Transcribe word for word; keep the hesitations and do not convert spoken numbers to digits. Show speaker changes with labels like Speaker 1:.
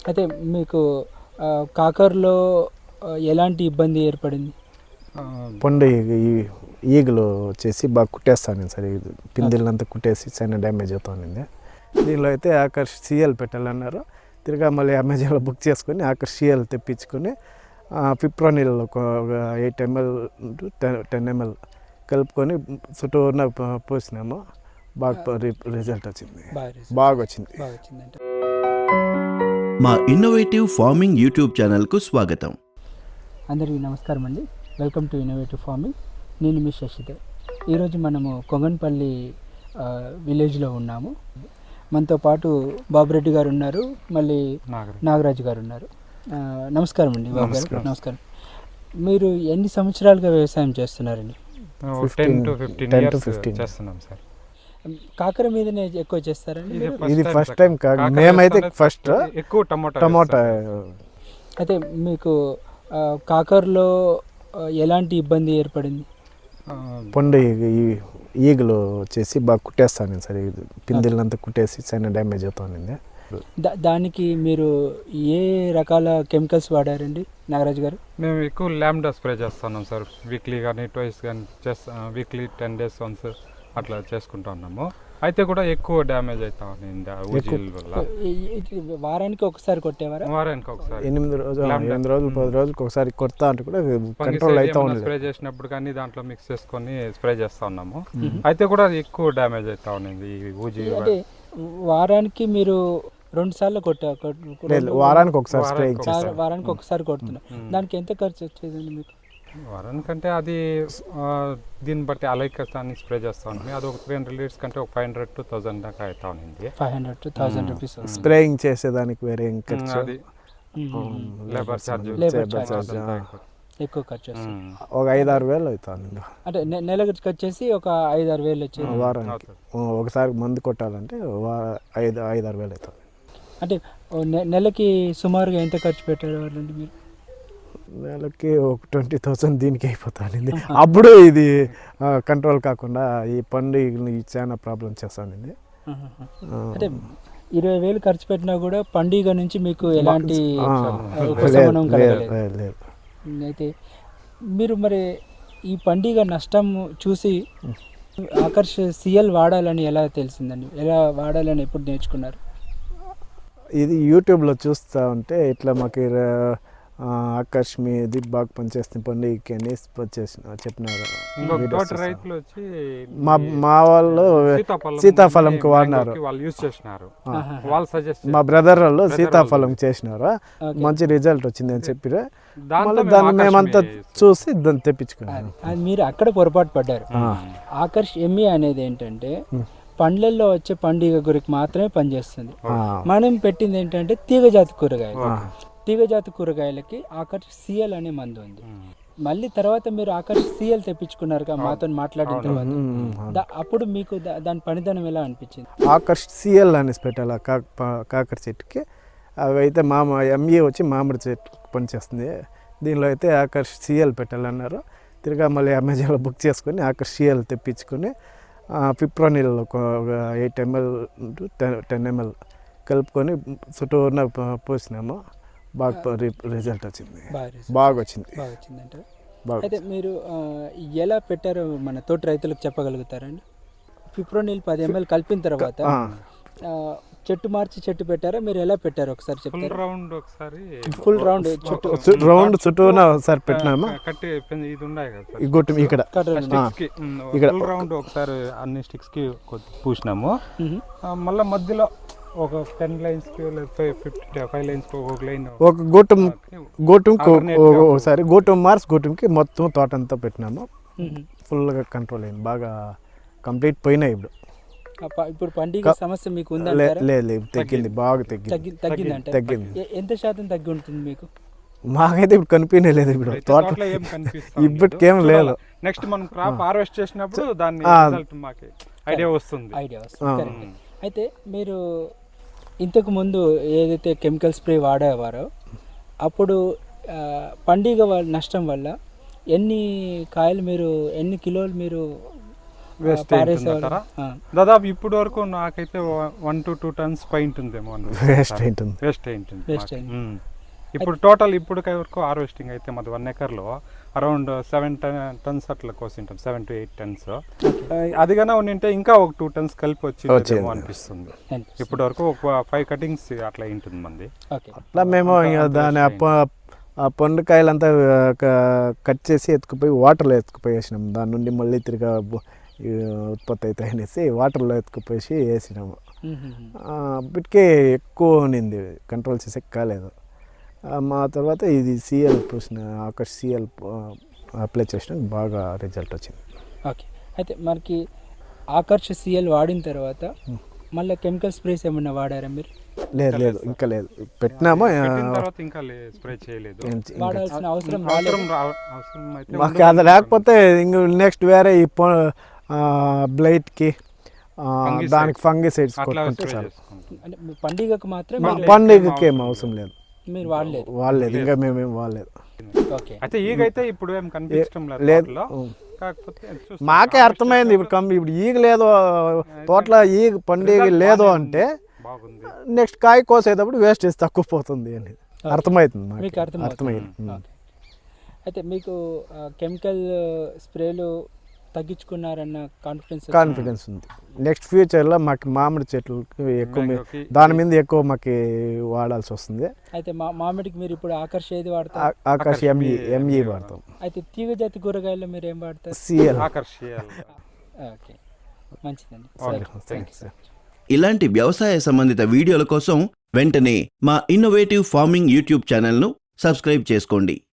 Speaker 1: అయితే మీకు కాకరలో ఎలాంటి ఇబ్బంది ఏర్పడింది?
Speaker 2: పండు ఈ ఈగలు వచ్చేసి బాగా కుట్టేస్తాను సార్, పిందెలంతా కుట్టేసి చాలా డ్యామేజ్ అవుతుంది. దీనిలో అయితే ఆకర్ష్ సిఎల్ పెట్టాలన్నారు. తిరిగా మళ్ళీ అమెజాన్లో బుక్ చేసుకొని ఆకర్ష్ సిఎల్ తెప్పించుకొని పిప్రోనిల్ ఒక eight ML to ten ten ML కలుపుకొని చుట్టూన పోసినాము. బాగా రిజల్ట్ వచ్చింది, బాగా వచ్చింది.
Speaker 3: మా ఇన్నోవేటివ్ ఫార్మింగ్ యూట్యూబ్ ఛానల్కు స్వాగతం.
Speaker 1: అందరికీ నమస్కారం అండి. Welcome to innovative farming. నేను మీ శశిధర్. ఈరోజు మనము కొంగన్పల్లి విలేజ్లో ఉన్నాము. మనతో పాటు బాబురెడ్డి గారు ఉన్నారు, మళ్ళీ నాగరాజు గారు ఉన్నారు. నమస్కారం అండి బాబు గారు. నమస్కారం. మీరు ఎన్ని సంవత్సరాలుగా వ్యవసాయం చేస్తున్నారండి? కాకర మీదనే ఎక్కువ చేస్తారండి?
Speaker 2: ఇది ఫస్ట్ టైం కాదు, మేమైతే ఫస్ట్
Speaker 4: ఎక్కువ టమోటా
Speaker 2: టమోటా.
Speaker 1: అయితే మీకు కాకరలో ఎలాంటి ఇబ్బంది ఏర్పడింది?
Speaker 2: పండు ఈ ఈగలు వచ్చేసి బాగా కుట్టేస్తాను సార్, పిందెలంతా కుట్టేసి చాలా డ్యామేజ్ అవుతుంది.
Speaker 1: దానికి మీరు ఏ రకాల కెమికల్స్ వాడారండి నాగరాజు గారు?
Speaker 4: మేము ఎక్కువ ల్యాండా స్ప్రే చేస్తున్నాం సార్. వీక్లీ కానీ ట్వైస్ కానీ చేస్తా, వీక్లీ టెన్ డేస్ వన్స్ అట్లా చేసుకుంటా ఉన్నాము. అయితే కూడా ఎక్కువ డ్యామేజ్ అవుతా ఉంది వల్ల.
Speaker 1: వారానికి ఒకసారి కొట్టేవారా?
Speaker 4: వారానికి ఒకసారి,
Speaker 2: ఎనిమిది రోజులు ఎనిమిది రోజులు పది రోజులకు ఒకసారి కొడతా అంటే కూడా కంట్రోల్ అవుతా ఉంది.
Speaker 4: స్ప్రే చేసినప్పుడు కానీ దాంట్లో మిక్స్ చేసుకొని స్ప్రే చేస్తా ఉన్నాము. అయితే కూడా ఎక్కువ డ్యామేజ్ అవుతా ఉంది ఈ ఊజీ.
Speaker 1: వారానికి మీరు రెండు సార్లు కొట్టా?
Speaker 2: వారానికి ఒకసారి స్ప్రే
Speaker 1: వారానికి ఒకసారి కొడుతున్నా. దానికి ఎంత ఖర్చు వచ్చేదండి మీకు?
Speaker 4: వారానికంటే అది దీన్ని బట్టి అలైకస్తాన్ని స్ప్రే చేస్తా ఉంది. అది ఒక త్రీ హండ్రెడ్ లీటర్స్ కంటే ఒక ఫైవ్ హండ్రెడ్ టు థౌసండ్ దాకా అవుతా ఉంది.
Speaker 1: Five hundred to thousand rupees
Speaker 2: spraying చేసేదానికి వేరే ఖర్చు,
Speaker 4: లేబర్ ఛార్జ్
Speaker 1: ఎక్కువ ఖర్చు వస్తుంది.
Speaker 2: ఒక ఐదు ఆరు వేలు అవుతుంది.
Speaker 1: అంటే నెలకు వచ్చేసి ఒక ఐదు ఆరు వేలు వచ్చేది.
Speaker 2: వారానికి ఒకసారి మందు కొట్టాలంటే ఐదు ఐదు ఆరు వేలు అవుతుంది.
Speaker 1: అంటే నెలకి సుమారుగా ఎంత ఖర్చు పెట్టేవాళ్ళండి మీరు?
Speaker 2: నెలకి ఒక ట్వంటీ థౌసండ్ దీనికి అయిపోతుంది. అప్పుడు ఇది కంట్రోల్ కాకుండా ఈ పండు చాలా ప్రాబ్లం చేస్తానండి.
Speaker 1: అంటే ఇరవై వేలు ఖర్చు పెట్టినా కూడా పండుగ నుంచి మీకు ఎలాంటి ఉపశమనం కలగలేదు. అయితే మీరు మరి ఈ పండుగ నష్టం చూసి ఆకర్ష్ సిఎల్ వాడాలని ఎలా తెలిసిందండి? ఎలా వాడాలని ఎప్పుడు నేర్చుకున్నారు?
Speaker 2: ఇది యూట్యూబ్లో చూస్తూ ఉంటే ఇట్లా మాకు ఆకర్ష్ మీది బాగా పనిచేస్తుంది పండుగకి అని చేసిన చెప్పినారు. మా మా వాళ్ళు సీతాఫలంకి వాడినారు, మా బ్రదర్ వాళ్ళు సీతాఫలం చేసినారు, మంచి రిజల్ట్ వచ్చింది అని చెప్పి దాన్ని మేమంతా చూసి దాన్ని తెప్పించుకున్నాం.
Speaker 1: మీరు అక్కడ పొరపాటు పడ్డారు. ఆకర్ష్ ఎంఈ అనేది ఏంటంటే పండ్లల్లో వచ్చే పండుగ గురికి మాత్రమే పనిచేస్తుంది. మనం పెట్టింది ఏంటంటే తీగజాతి కూరగాయలు. తీగజాతి కూరగాయలకి ఆకర్ష్ సిఎల్ అనే మందు ఉంది. మళ్ళీ తర్వాత మీరు ఆకర్ష్ సిఎల్ తెప్పించుకున్నారు మాతో మాట్లాడిన తర్వాత, అప్పుడు మీకు దాని పనిదనం ఎలా అనిపించింది?
Speaker 2: ఆకర్ష్ సిఎల్ అనేసి పెట్టాలి కాకర చెట్టుకి. అవి అయితే మామ ఎంఏ వచ్చి మామిడి చెట్టు పనిచేస్తుంది. దీనిలో అయితే ఆకర్ష్ సిఎల్ పెట్టాలన్నారు. తిరిగా మళ్ళీ అమెజాన్లో బుక్ చేసుకొని ఆకర్ష్ సిఎల్ తెప్పించుకొని పిప్రోనిల్ ఒక eight ML to ten ten ML కలుపుకొని చుట్టూన పోసినాము. బాగా రిజల్ట్ వచ్చింది, బాగా వచ్చింది.
Speaker 1: అయితే మీరు ఎలా పెట్టారో మన తోటి రైతులకు చెప్పగలుగుతారండి? పిప్రోనిల్ పది ఎంఎల్ కలిపిన తర్వాత చెట్టు మార్చి చెట్టు పెట్టారా? మీరు ఎలా పెట్టారు ఒకసారి చెప్తారా?
Speaker 4: రౌండ్ ఒకసారి
Speaker 1: ఫుల్ రౌండ్ చుట్టూ
Speaker 2: రౌండ్ చుట్టూన ఒకసారి పెట్టినామా?
Speaker 4: కట్టి ఇది ఉన్నాయి కదా
Speaker 2: ఈ గొట్టం ఇక్కడ
Speaker 4: ఇక్కడ రౌండ్ ఒకసారి అన్ని స్టిక్స్ కి పూసినాము. మళ్ళీ మధ్యలో ఒక టెన్ లైన్స్ కి ఫిఫ్టీ ఫైవ్ లైన్స్ కి ఒక లైన్
Speaker 2: ఒక గోటం గోటం ఒకసారి గోటం మార్స్ గోటంకి మొత్తం తోట అంతా పెట్టినాము. ఫుల్గా కంట్రోల్ అయింది, బాగా కంప్లీట్ పోయినాయి. ఇప్పుడు
Speaker 1: ఇప్పుడు పండుగ సమస్య మీకు ఉందా?
Speaker 2: లేదు, తగ్గింది, బాగా తగ్గింది.
Speaker 1: తగ్గింది తగ్గింది ఎంత శాతం తగ్గి ఉంటుంది మీకు?
Speaker 2: మాకైతే ఇప్పుడు కనిపించలేదు. ఇప్పుడు తోట ఇప్పటికేం లేదు.
Speaker 4: నెక్స్ట్ మనం క్రాప్ హార్వెస్ట్ చేసినప్పుడు దాని రిజల్ట్ మాకు ఐడియా వస్తుంది.
Speaker 1: ఐడియా వస్తుంది. అయితే మీరు ఇంతకు ముందు ఏదైతే కెమికల్ స్ప్రే వాడేవారో అప్పుడు పండుగ నష్టం వల్ల ఎన్ని కాయలు మీరు ఎన్ని కిలోలు మీరు
Speaker 4: వేస్ట్
Speaker 1: పారేసేవాళ్ళు. ఆ.
Speaker 4: దాదాపు ఇప్పుడు వరకు నాకైతే వన్ టు టూ టన్స్ పై ఉంటుందేమో
Speaker 2: వేస్ట్ అయింటుంది.
Speaker 4: వేస్ట్ అయి ఉంటుంది
Speaker 1: Waste
Speaker 4: మాకు.
Speaker 1: అయింది.
Speaker 4: ఉమ్. ఇప్పుడు టోటల్ ఇప్పుడు వరకు హార్వెస్టింగ్ అయితే మాది వన్ ఎకర్లో అరౌండ్ సెవెన్ టన్స్ అట్లా కోసింటాం, సెవెన్ టు ఎయిట్ టన్స్. అదిగానే ఉండింటే ఇంకా ఒక టూ టన్స్ కలిపి వచ్చిందేమో
Speaker 2: వచ్చింది.
Speaker 4: అనిపిస్తుంది.
Speaker 1: అనిపిస్తుంది.
Speaker 4: ఇప్పటి వరకు ఒక ఫైవ్ కటింగ్స్ అట్లా ఉంటుంది మంది.
Speaker 1: ఓకే.
Speaker 2: అట్లా మేము ఇంకా
Speaker 4: అంత
Speaker 2: దాని
Speaker 4: waste
Speaker 2: అప్ప ఆ పండుకాయలంతా క- కట్ చేసి ఎత్తుకుపోయి వాటర్లో ఎత్తుకుపోయి వేసినాం. దాని నుండి మళ్ళీ తిరిగా బు- ఈ ఉత్పత్తి అవుతాయి అనేసి వాటర్లో ఎత్తుకుపోయి వేసినాము.
Speaker 1: మ్మ్.
Speaker 2: ఆ, అప్పటికే ఎక్కువ ఉన్నింది, కంట్రోల్ చేసేకి కాలేదు. ఆ, మా తర్వాత ఇది సిఎల్ పూసిన ఆకర్ష్ సిఎల్ అప్లై చేసిన బాగా రిజల్ట్ వచ్చింది.
Speaker 1: ఓకే. అయితే మనకి ఆకర్ష్ సిఎల్ వాడిన తర్వాత మళ్ళీ కెమికల్ స్ప్రేస్ ఏమన్నా వాడారా మీరు?
Speaker 2: లేదు లేదు ఇంకా లేదు, పెట్టినాము. ఆ,
Speaker 4: పెట్టిన తర్వాత ఇంకా స్ప్రే చేయలేదు.
Speaker 2: ఏం చే- ఇంకా
Speaker 1: వాడాల్సిన అవసరం
Speaker 4: అవసరం
Speaker 1: రాలేదు.
Speaker 4: రా- అవసరం అయితే
Speaker 2: మాకు
Speaker 4: ఉండదు.
Speaker 2: అది లేకపోతే ఇంక నెక్స్ట్ వేరే ఈ బ్లైట్కి
Speaker 4: Fungicides.
Speaker 2: దానికి ఫంగిసైడ్స్
Speaker 4: అట్లా
Speaker 2: కొట్టుకుంటే
Speaker 4: స్ప్రే
Speaker 2: చాలు.
Speaker 4: చేసుకుంటాం.
Speaker 1: అంటే మీ పండుగకు మాత్రం
Speaker 2: మా
Speaker 1: మీరు-
Speaker 2: పండుగకి ఏం అవసరం లేదు,
Speaker 1: మీరు వాడలేదు.
Speaker 2: వాడలేదు, ఇంకా మేమేం వాడలేదు.
Speaker 1: ఓకే.
Speaker 4: అయితే ఈగైతే ఇప్పుడు ఏం కనిపించడం లేదు
Speaker 2: లేదు.
Speaker 4: తోటలో.
Speaker 2: ఉం.
Speaker 4: కాకపోతే చూస్తాం.
Speaker 2: మాకే అర్థమైంది ఇప్పుడు కం ఇప్పుడు ఈగ లేదు తోటలో, ఈగ పండుగ
Speaker 4: Result
Speaker 2: లేదు
Speaker 4: బాగానే
Speaker 2: అంటే
Speaker 4: బాగుంది.
Speaker 2: నెక్స్ట్ కాయ కోసేటప్పుడు వేస్టేజ్ తక్కువ పోతుంది అని అర్థమవుతుంది మాకు.
Speaker 1: మీకు అర్థమవుతుంది.
Speaker 2: అర్థమైంది. ఉం.
Speaker 1: ఓకే. అయితే మీకు కెమికల్ స్ప్రేలు తగ్గించుకున్నారన్న కాన్ఫిడెన్స్
Speaker 2: కాన్ఫిడెన్స్ ఉంది. నెక్స్ట్ ఫ్యూచర్లో మాకు మామిడి చెట్లకి ఎక్కువ మీ-
Speaker 4: మ్యాంగోకి
Speaker 2: దాని మీద ఎక్కువ మాకు వాడాల్సి వస్తుంది.
Speaker 1: అయితే మా మామిడికి మీరు ఇప్పుడు ఆకర్ష్ ఏది వాడతారు?
Speaker 2: ఆ- ఆకాశ్ ఎంఈ ఎంఈ వాడతాం.
Speaker 1: అయితే తీగ జాతి కూరగాయల్లో మీరు ఏం వాడతారు?
Speaker 2: సిఎల్
Speaker 4: ఆకర్షియాలి.
Speaker 1: ఓకే, మంచిదండి.
Speaker 4: ఓకే,
Speaker 1: సరే,
Speaker 4: థ్యాంక్ యూ.
Speaker 2: సార్.
Speaker 3: ఇలాంటి వ్యవసాయ సంబంధిత వీడియోల కోసం వెంటనే మా ఇన్నోవేటివ్ ఫార్మింగ్ యూట్యూబ్ ఛానల్ను సబ్స్క్రైబ్ చేసుకోండి.